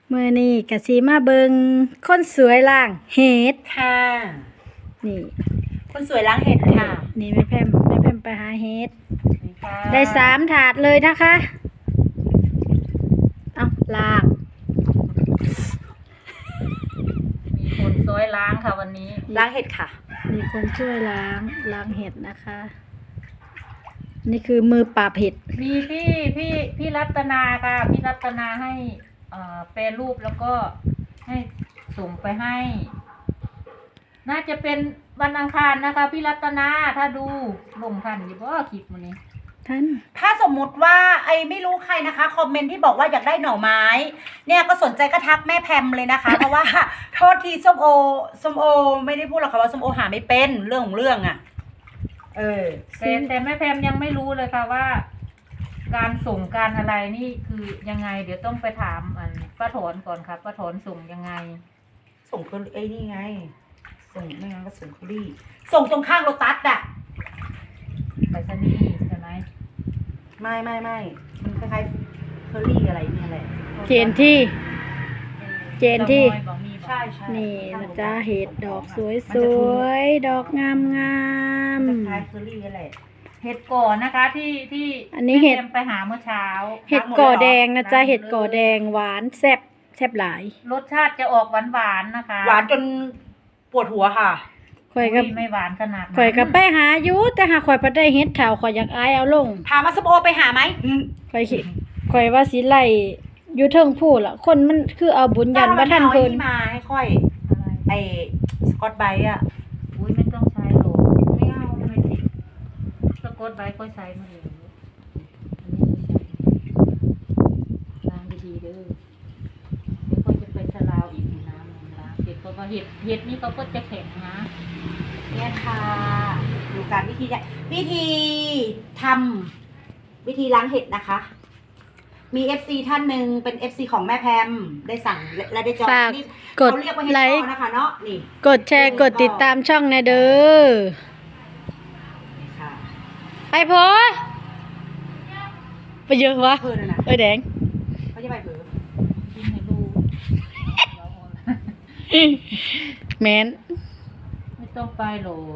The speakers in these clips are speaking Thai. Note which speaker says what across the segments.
Speaker 1: มื้อนี้ก็สิมาเบิ่งคนสวยล้างเห็ด
Speaker 2: ค่ะ
Speaker 1: นี่
Speaker 2: คนสวยล้างเห็ดค่ะ
Speaker 1: นี่แม่แพมไปหาเห็ด
Speaker 2: นี่ค่ะ
Speaker 1: ได้3ถาดเลยนะคะเอาล้าง
Speaker 3: มีคนซอยล้างค่ะวันนี้
Speaker 2: ล้างเห็ดค่ะ
Speaker 1: มีคนช่วยล้างเห็ดนะคะ นี่คือมือปราบเห็ด
Speaker 3: มีพี่รัตนาค่ะพี่รัตนาให้แปรรูปแล้วก็ให้ส่งไปให้ น่าจะเป็นวันอังคารนะคะพี่รัตนาถ้าดูลงทันอยู่บ่คลิปมื้อนี้
Speaker 1: ท่าน
Speaker 2: ถ้าสมมุติว่าไอ้ไม่รู้ใครนะคะคอมเมนต์ที่บอกว่าอยากได้หน่อไม้ เนี่ยก็สนใจก็ทักแม่แพมเลยนะคะ เพราะว่าโทษทีส้มโอไม่ได้พูดหรอกค่ะว่าส้มโอหาไม่เป็นเรื่องของเรื่องอ่ะ
Speaker 3: แต่แม่แพมยังไม่รู้เลยค่ะว่า การส่งการอะไรนี่คือยังไง เดี๋ยวต้องไปถามป้าถอนก่อนค่ะป้าถอนส่งยังไง
Speaker 2: ส่งเคอรี่ไอ้นี่ไง ส่งไม่งั้นก็ส่งเคอรี่ส่งตรงข้างโลตัสอ่ะ
Speaker 3: ไปสนีย์ใช่ไหม
Speaker 2: ไม่มันคล้ายๆเคอรี่อะไรเนี่ยแหละ
Speaker 1: เจนที่
Speaker 3: บอกมี
Speaker 2: ใช่
Speaker 1: นี่นะจ๊ะเห็ดดอกสวยๆดอกงาม
Speaker 2: มันคล้ายเคอรี่อะไร
Speaker 3: เห็ดก่อนนะคะที่
Speaker 1: อันนี้เห็ด
Speaker 3: แม่แพมไปหาเมื่อเช้า
Speaker 1: เห็ดก่อแดงนะจ๊ะเห็ดก่อแดงหวานแซ่บหลาย
Speaker 3: รสชาติจะออกหวานๆนะคะ
Speaker 2: หวานจนปวดหัวค่ะ
Speaker 1: ข่อยกับ
Speaker 3: ไม่หวานขนาดนั้น
Speaker 1: ข่อยกับไปหาอยู่แต่หาข่อยบ่ได้เฮ็ดแถวข่อยอยากอายเอาลง
Speaker 2: ถามว่าส้มโอไปหาไหม
Speaker 1: ข่อยคิดข่อยว่าสิไล่อยู่เทิงผู้ล่ะคนมันคือเอาบุญยันว่าท่าน
Speaker 2: เพิ่
Speaker 1: เพิ่น
Speaker 2: มาให้ค่อย
Speaker 3: อะไร
Speaker 2: ไอ้สกอตไบรท์อะ
Speaker 3: อุ้ยไม่ต้องใช้หรอกไม่เอาไม่ติดสะกดใบก็ใช้มาเลยล้างดีๆเด้อเดี๋ยวก็จะไปสลาวอีกน้ำนึงล้างเสร็จก็เห็ดนี่เขาก็จะแข็งนะ
Speaker 2: เนี่ยค่ะดูการวิธีทำวิธีล้างเห็ดนะคะ มี FC ท่านหนึ่งเป็น FC ของแม่แพมได้สั่งและได้จอง
Speaker 1: ฝาก
Speaker 2: นี่
Speaker 1: กด
Speaker 2: เขาเรียกว่าเห็ด
Speaker 1: ไล
Speaker 2: พ่
Speaker 1: ค์
Speaker 2: อนะคะเนาะนี่
Speaker 1: กดแชร์กดติดตามช่องแน่เด้อ
Speaker 2: นี่ค่ะ
Speaker 1: ไปโพไปเยอะวะ
Speaker 2: เพื่อนนะ
Speaker 1: เอ้ยแดง
Speaker 2: เขาจะไปเผลอ
Speaker 3: กินให้ดู
Speaker 1: แม่น
Speaker 3: ไม่ต้องไปหรอก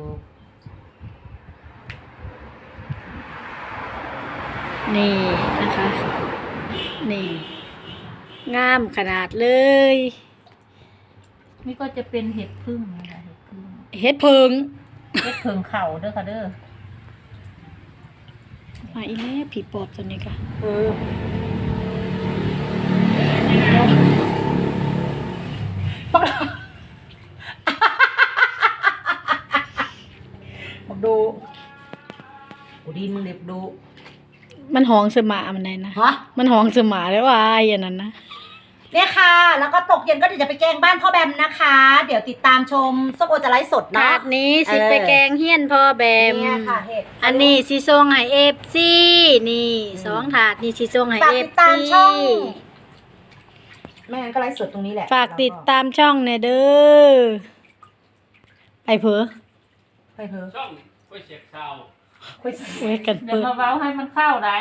Speaker 1: นี่นะคะ นี่ งามขนาดเลย
Speaker 3: นี่ก็จะเป็นเห็ดพึ่งนะคะเห็ดพึ่ง
Speaker 1: เฮ็ดเพิง
Speaker 3: เห็ดเพิงเข่าเด้อค่ะเด้อ
Speaker 1: มาอีแม่ผีปอบตัวนี้ค่ะ
Speaker 2: เออบอกดูกูดีมึงเด็บดู
Speaker 1: มันหองเสมามันไหนนะ
Speaker 2: ฮะ
Speaker 1: มันหองเสมาได้ว่าไอ้อันนั้นนะ
Speaker 2: เนี่ยค่ะ แล้วก็ตกเย็นก็เดี๋ยวจะไปแกงบ้านพ่อแบมนะคะ เดี๋ยวติดตามชมส้มโอจะไลฟ์สด
Speaker 1: ถา
Speaker 2: เนาะ
Speaker 1: ดนี้สิไปแกงเฮียนพ่อแบม
Speaker 2: เนี่ยค่ะเห็ด
Speaker 1: อันนี้สิส่งให้FC นี่2ถาดนี่สิส่งให้
Speaker 2: ฝากติด
Speaker 1: FC
Speaker 2: ตามช่องไม่งั้นก็ไลฟ์สดตรงนี้แหละ
Speaker 1: ฝากติดตามช่องแน่เด้อไปเผอ
Speaker 2: ไปเถอะ
Speaker 4: ช่องก๋วยเตี๋ยวชาว
Speaker 2: คุย
Speaker 1: เว้ยกัน
Speaker 3: เดี๋ย
Speaker 1: เปิ
Speaker 3: ว
Speaker 1: ด
Speaker 3: มาเว้าให้มันเข้าได้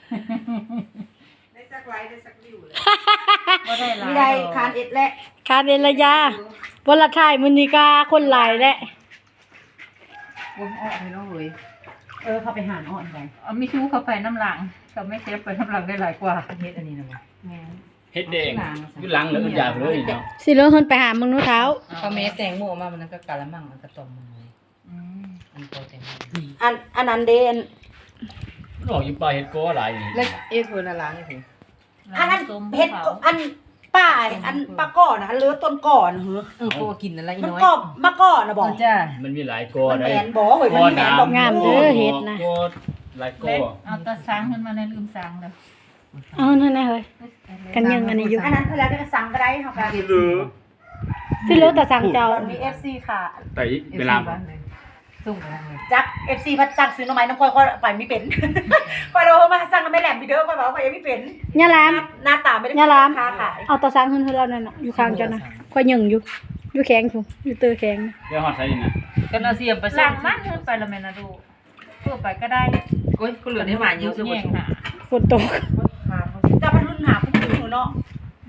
Speaker 4: ได้สักไลฟ์ได้สักวิวเลย
Speaker 3: ก็ได้หลาย
Speaker 2: มีได้
Speaker 3: ดอก
Speaker 2: คานเอ็ดและ
Speaker 1: คาเดนระยาวันละถ่ายมื้อนี้ก็คนหลายแหละ
Speaker 2: วงออกเลยเนาะเว้ยเขาไปหาอ่อนไป
Speaker 3: เอามีชู้เข้าไปน้ำหลังเขาไม่เซฟไปน้ำหลังได้หลายกว่า
Speaker 2: เฮ็ดอันนี้นะวะ
Speaker 4: เฮ็ดแดงอยุ่หลังแล้วมันอยากเลยเนาะ
Speaker 1: สิเลอเฮินไปหามึงนู้เท้า
Speaker 5: เขาเมสแตงโมมามันก็กะละมังมันก็ต้มมันเลย
Speaker 3: อืม
Speaker 5: อันโตแตงโม
Speaker 2: อันนั้นเดน
Speaker 4: หลอกอยู่ปลาเฮ็ดก้อหลายนี่
Speaker 5: แล้วเอ็ดเพิ่นละล้างนี่คือ
Speaker 2: อันนั้น
Speaker 3: ต้ม
Speaker 2: เฮ็ด
Speaker 3: ภูขา
Speaker 2: อันป้าอันปลาก่อนนะเหลือต้นก่อนเหรอ
Speaker 5: โคกินนั่นละอี
Speaker 2: มัน
Speaker 5: น้อย
Speaker 2: กรอบมาก่อนนะบอก
Speaker 5: จ้า
Speaker 4: มันมีหลายก้อ
Speaker 2: มัน
Speaker 4: ได้
Speaker 2: แมนบอกเว้ยมันแมนบอก
Speaker 1: งามเด้อเฮ็ดนะ
Speaker 4: ก้อหลายก้อ
Speaker 3: เล็กเอาตะสังขึ้นมาในลืมสังเลย
Speaker 1: เอานั่นน่ะเฮ้ยกันยังอันนี้อยู่
Speaker 2: อันนั้นเวลาจะสั่งก็ได้ค่ะ
Speaker 4: หรือ
Speaker 1: สิเลอแต่สั่งเจ้า
Speaker 2: มี FC ค่ะ
Speaker 4: แต่เวลา
Speaker 5: ส่งไปทางเลย
Speaker 2: จัก FC พัดสั่งซื้อหน่อไม้น้ำค่อยไปไม่เป็น ค่อยเรามาสั่งน้ำไม่แหลมพี่เด้อค่อยบอกว่ายังไม่เป็น
Speaker 1: ย่าลาม
Speaker 2: หน้าตาไม่ได้
Speaker 1: ย่าลาม
Speaker 2: ค้าขาย
Speaker 1: เอาตะสังเฮินเรานั่นน่ะอยู่ข้างเจ้านะค่อยยังอยู่แข็งอยู่อยู่เตอแข็ง
Speaker 4: เดี๋ยวฮอดใส่นี่นะ
Speaker 5: กันเอาเสียมไป
Speaker 3: ห
Speaker 5: ส่
Speaker 3: ลั
Speaker 5: ง
Speaker 3: งมันขึ้นไปละแม่นะดูเพื่อไปก็ได้
Speaker 5: โอ้ยก็เหลือได้หวานเยอะ
Speaker 3: แย่งหา
Speaker 1: ฝนตก
Speaker 2: จะมารุ่นหาผู้หญิงเนาะ
Speaker 3: มี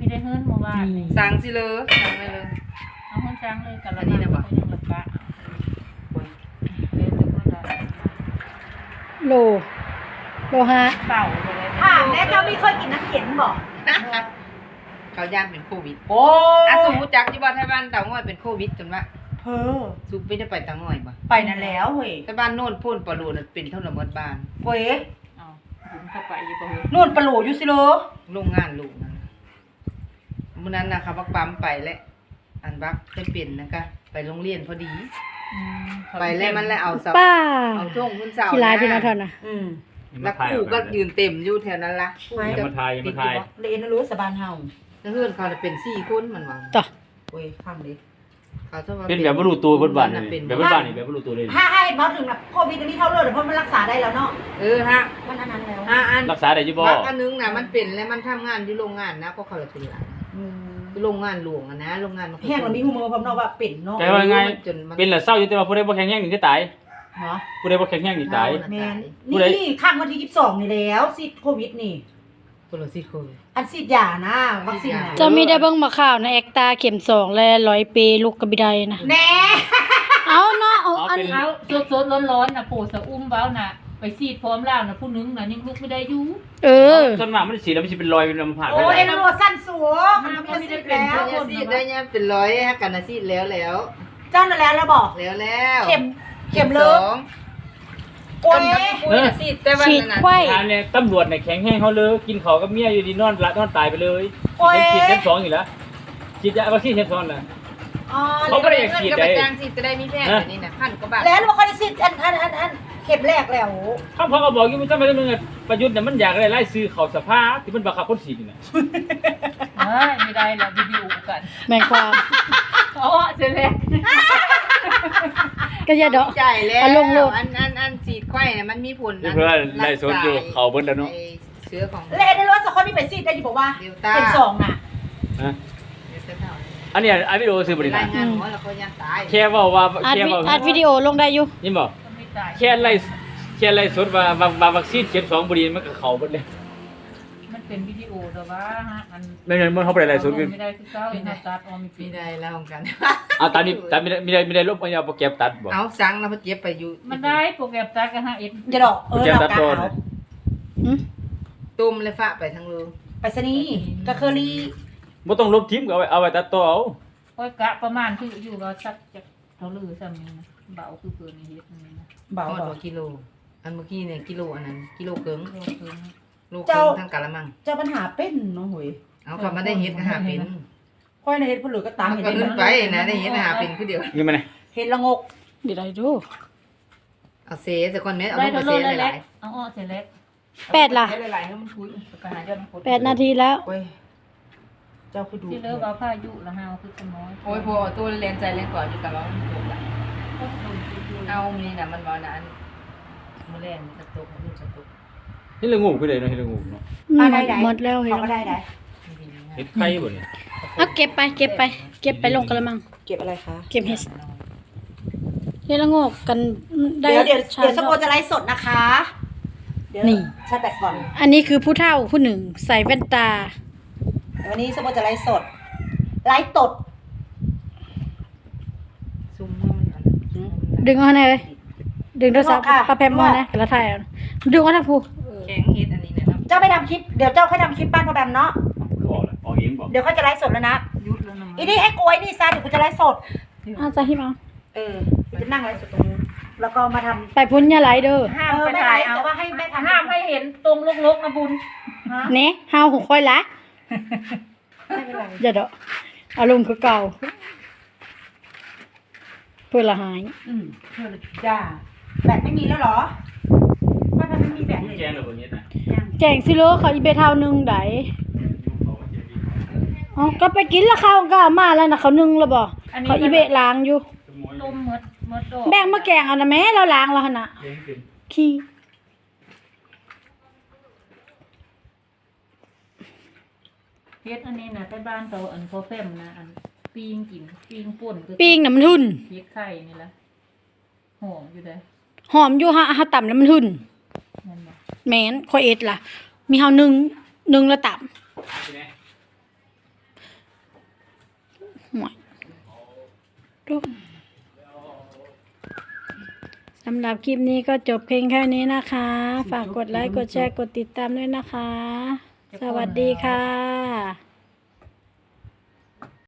Speaker 3: ได้เฮิรนเมื่อวานนี่
Speaker 5: สั่งสิเลยสั่งไปเลย
Speaker 3: เอาเฮิรนช้างเลยกันละ
Speaker 5: อันนี้นะบ่
Speaker 3: ยังละกะเดี๋ยวจะพูดอะไร
Speaker 1: โลฮะ
Speaker 3: เป่าไปเลย
Speaker 2: ถามแน่เจ้าไม่เคยกินน้ำเข็มบอก
Speaker 5: เขาย่านเป็นโควิด
Speaker 2: โอ้
Speaker 5: อ่ะสูจักอยู่บ่ไทบ้านเต่าง่อยเป็นโควิดจนว่า
Speaker 2: เพอ
Speaker 5: สูไม่ได้ไปเต่าง่อยบ่
Speaker 2: ไปนั่นแล้วเฮ้ย
Speaker 5: ไทบ้านโน่นพ่นปลาโลน่ะเป็นเท่าระเบิดบ้าน
Speaker 2: เว้ย
Speaker 3: เอาบุญเข้าไปอยู่บ่เฮ้ย
Speaker 2: นู่นปลาโหลอยู่สิโล
Speaker 5: โรงงานลูกนั่นน่ะมื้อนั้นน่ะเขาบักปั๊มไปแล้วอันบักเคยเป็นนะคะไปโรงเรียนพอดี ไปแล้วมันแล้วเอาเสา
Speaker 1: ป้า
Speaker 5: เอาช่วงขึ้นเสา
Speaker 1: ที่ร้านที่นาทอนน่ะ
Speaker 2: อืม
Speaker 5: แล้วครูก็ยืนเต็มอยู่แถวนั้นละ
Speaker 4: อย่ามาทายอย่ามาทาย
Speaker 2: เลนรู้สบานเฮา
Speaker 5: แล้วเพื่อนเขาน่ะเป็น4คนมันว่า
Speaker 1: ต่อ
Speaker 2: เว้ยฟังดิ
Speaker 5: เขาชอบว่า
Speaker 4: เป็นแบบบ่รู้ตัวเบิดบ้าน
Speaker 5: น่ะ
Speaker 4: นี่
Speaker 5: เป็น
Speaker 4: แบบเบิดบ้านนี่แบบบ่รู้ตัวเลย
Speaker 2: ถ้าให้มาถึงแบบโควิดอันนี้เท่าเลยเพราะมันรักษาได้แล้วเนาะ
Speaker 5: ฮะ
Speaker 2: มันอันนั้นแล้ว
Speaker 5: อัน
Speaker 4: รักษาได้อยู่บ่
Speaker 5: บักอันนึงน่ะมันเป็นแล้วมันทำงานอยู่โรงงานนะก็เขาเลยเป็นหลาน
Speaker 2: อืม
Speaker 5: โรงงานหลวงอะนะโรงงานมัน
Speaker 2: แห้งเรามีหูมือพร้อมเนาะว่าเป็นเนาะ
Speaker 4: แต่ว่าไง
Speaker 5: จนมัน
Speaker 4: เป็นแล้วเศร้าอยู่แต่ว่าผู้ใดบ่แข็งแรงนี่จะตาย
Speaker 2: เหรอ
Speaker 4: ผู้ใดบ่แข็งแรงนี่ตาย
Speaker 2: แมน
Speaker 4: ผู้ใด
Speaker 2: นี่ข้างวันที่22นี่แล้วซีดโควิดนี่
Speaker 5: คนละสิคน
Speaker 2: อันซีดยานะวัคซีนน่ะ
Speaker 1: จะมีได้เบิ่งมาข่าวในแอคตาเข็ม2และ100ปีลูกกระบิไดนะ
Speaker 2: แน่
Speaker 1: เอาเนาะเอาอัน
Speaker 3: เอาสดๆร้อนๆน่ะปู่สะอุ้มเว้าน่ะไปซีดพร้อมแล้วน่ะผู้นึงน่ะยังลุกไม่ได้อยู่
Speaker 1: เออ
Speaker 4: ส่วนมากมันสิแล้วมันสิเป็นรอยเป็นลำผ่าน
Speaker 2: โอ้
Speaker 4: ไป
Speaker 2: ย
Speaker 4: แล้ว
Speaker 2: โลสั้นสัวมันไม่ได้ซีดแล้ว
Speaker 5: ได้ซีดได้เนี่ยเป็นร้อยฮะกันนะซีดแล้ว
Speaker 2: เจ้านั่นแล้วบอก
Speaker 5: แล้ว
Speaker 2: เข็มเลิก โอ้ย
Speaker 5: ปุ้ยซีดแต่วัน
Speaker 1: ฉีด
Speaker 5: นั้นน่ะ
Speaker 1: ไข้
Speaker 4: ทานเนี่ยตำรวจเนี่ยแข็งแห้งเขาเลยกินข้าวกับเมียอยู่ดีนอนละนอนตายไปเลย
Speaker 2: โอ้ย
Speaker 4: ฉีดเข็ม2อยู่แล้วฉีดยาวัคซีนเข็ม2น่ะ
Speaker 2: อ๋อ
Speaker 4: เขาก็ได้อยากฉีด
Speaker 5: ก็
Speaker 4: ได้
Speaker 5: ไปจ้างซีดจะได้มีแพงแบบนี้น่ะพันกว่าบาท
Speaker 2: แล้วเราก็ได้ซีดอันเข็มแรกแล้ว
Speaker 4: เขาพอก็บอกอยู่มันทำไมต้องเงินประยุทธ์เนี่ยมันอยากได้ไล่ซื้อเขาสภาที่มันบังคับคนฉีดนี่นะ
Speaker 3: เอ้ยไม่ได้แล้ววิดีโอกัน
Speaker 1: แม่งความ
Speaker 3: อ๋อเสร็จแล้ว
Speaker 1: ก็อย่าดอก
Speaker 5: จ่ายแล้ว
Speaker 1: เอาลงโลด
Speaker 5: อันซีดไข้เนี่ยมันมีผล
Speaker 4: เพื่อนไล่สดอยู่เขาเบิ้ลแล้วเนาะ
Speaker 5: ไอ้เชื้อของ
Speaker 2: แล้วในรถสักคนที่ไปซีดได้อยู่บอกว่า
Speaker 5: เดลต้า
Speaker 2: เข็มสองน่ะ
Speaker 4: ฮะ
Speaker 5: เดลต้า
Speaker 4: อันเนี้ยอันวิดีโอซื้อบริ
Speaker 5: รา
Speaker 4: ษั
Speaker 5: ย
Speaker 4: ท
Speaker 5: งานหัวแล้วเขายังตาย
Speaker 4: แค่ว่า
Speaker 1: อัด
Speaker 4: แค่
Speaker 1: วิ
Speaker 4: ว่า
Speaker 1: อัดวิดีโอลงได้อยู่
Speaker 4: นี่บอก
Speaker 3: ก็ไม่ตาย
Speaker 4: แค่ไล่สดว่าวัคซีนเข็ม2บริมันก็เขาเบิ้ลเลย
Speaker 3: มันเป็นวิดีโอแต่ว่าฮะอัน
Speaker 4: ไม่งั้นมันเขาไปไล่สดกัน
Speaker 3: ไม่ได้คือเก้าอินตัดออม
Speaker 5: มีได้แล้วกัน
Speaker 4: เอาตามนี้ตามไม่ได้ลบเอาโปรแกรมตัดบอก
Speaker 5: เอาสั่งแล้วพอเจ็บไปอยู่
Speaker 3: มันได้โปรแกรมตัดกันฮะเอ็ด
Speaker 2: จะดอกเรากาเอา
Speaker 1: หืม
Speaker 5: ตุ่มเลยฝะไปทั้งรู
Speaker 2: ไปสนีกะเคอรี่
Speaker 4: บ่ต้องลบทิ้งก็เอาไว้ตัดต่อเอา
Speaker 3: ค่อยกะประมาณคืออยู่เราสักจะเท่าลือซ้ำนี่นะเบาคือเกินเฮ็ดนี่นะ
Speaker 2: เบา
Speaker 5: ทอด
Speaker 2: บ
Speaker 5: กว่ากิโล อันเมื่อกี้เนี่ยกิโลอันนั้นกิโลเกิง
Speaker 3: โลเกิน
Speaker 5: โลเกิงทั้งกะละมัง
Speaker 2: เจ้าปัญหาเป็นน้องหวย
Speaker 5: เอากลับมาได้เฮ็ดก็หาเป็น
Speaker 2: ค่อยในเฮ็ดผลือก็ตาม
Speaker 5: มัน
Speaker 2: เห็น
Speaker 5: ก็
Speaker 2: ได้
Speaker 5: ขึ้นไปนะได้เฮ็ดหาเป็นคือเดียว
Speaker 4: นี่มันไง
Speaker 2: เห็ดละงก
Speaker 1: เดี๋ยวได้ดู
Speaker 5: เอาเซแต่ก่อนแม่เอา
Speaker 3: ได้
Speaker 5: ลง
Speaker 3: เท่า
Speaker 5: มา
Speaker 3: โล
Speaker 5: เซห
Speaker 3: เล็
Speaker 5: ลาก ย
Speaker 3: ๆเอาอ้อเสร็จแล้ว
Speaker 1: 8ล่ะ
Speaker 5: เซหลายๆให้มันคุย
Speaker 3: ไปหายอดคน
Speaker 1: 8 นาทีแล้ว
Speaker 2: โอ้ยเจ้าคือดู
Speaker 3: ที่เลิกเอาผ้ายุละหาวคือสมอย
Speaker 5: โอ้ยพอตัวเรียนใจเรียนก่อนอยู่กับเราเอามีน่ะมันบ่นั้นมื้อแรกมันจะตกมันจะตก
Speaker 4: นี่ละงูไปเลยเนาะเฮ็ดละงูเนาะ
Speaker 1: หมดแล้วเห็น
Speaker 2: เขาก็ได้ได้
Speaker 4: เฮ็ดไข่บ่เนี่ย
Speaker 1: เอาเก็บไปลงกระมัง
Speaker 2: เก็บอะไรคะ
Speaker 1: เก็บเห็ดเฮ็ดละโงกกันได้
Speaker 2: เดี๋ยว
Speaker 1: ชา
Speaker 2: สโปจะไลฟ์สดนะคะเดี๋ยว
Speaker 1: นี่
Speaker 2: ชาร์จแบตก่อน
Speaker 1: อันนี้คือผู้เฒ่าผู้หนึ่งใส่แว่นตา
Speaker 2: เดี๋ยววันนี้สโปจะไลฟ์สดไลฟ์ตด
Speaker 5: ซุ่มมันอัน
Speaker 1: ดึงเอาให้เลยดึงโทรศัพท์ปลาแพมมานะกระถ่ายเอาดึงเอาทั้งผู้
Speaker 5: แข็งเฮ็ดอันนี้นะครับ
Speaker 2: เจ้าไปทำคลิปเดี๋ยวเจ้าค่อยทำคลิปบ้านพ่อแบมเนาะ
Speaker 4: บอกเลยออกเองบอก
Speaker 2: เดี๋ยวเขาจะไลฟ์สดแล้วนะ
Speaker 3: ยุดแล้วนะ
Speaker 2: อีนี่ให้กล้วยนี่ซะเดี๋ยวกูจะไลฟ์สด
Speaker 1: อาจะหิมเอา
Speaker 2: จะนั่งไลฟ์สดตรงนู้นแล้วก็มาทำ
Speaker 1: ไปพุ่นอย่าไหลเด้อ
Speaker 3: ห้ามไปถ่ายเอา
Speaker 2: แต่ว่าให้แม่ทำ
Speaker 3: ห้ามให้เห็นตรงลกๆนะบุญ
Speaker 2: ฮะ
Speaker 1: เน่เฮาของค่อยละ
Speaker 2: ไม่เป็นไร
Speaker 1: อย่าเด้ออารมณ์คือเก่าเพื่อละหาย
Speaker 2: เพื่อนจ้าแบตไม่มีแล้วเหรอพ่อแบมไม่มีแบตเลย
Speaker 4: แกงเลยบ่เฮ็ดนะ
Speaker 2: ยัง
Speaker 1: แจงสิโลเขาอีเบเท่านึงไดอ๋อก็ไปกินละข้าวก็เอามาแล้วนะเขานึ่งแล้วบ่เขาอีเบะล้างอยู่
Speaker 3: ต้มเมดดอก
Speaker 1: แบ่งมาแกงเอานะแม่เราล้างแล้วหั่นน่ะขี้
Speaker 3: เฮ็ดอันนี้นะใต้บ้านเราอันพอแฟมนะอันปิ้งกินปิ้งป่นก็
Speaker 1: ปิ้งน่ะมันหุ่น
Speaker 3: เฮ็ดไข่นี่ละหอมอยู่เด้อ
Speaker 1: หอมอยู่ฮะต่ำแล้วมันหุ่น
Speaker 3: นั่นบ่
Speaker 1: แม่นค่อยเอ็ดล่ะ มีเฮานึ่งแล้วต่ำหมดดูสำหรับคลิปนี้ก็จบเพียงแค่นี้นะคะ ฝากกดไลค์ กดแชร์ กดติดตามด้วยนะคะ สวัสดีค่ะ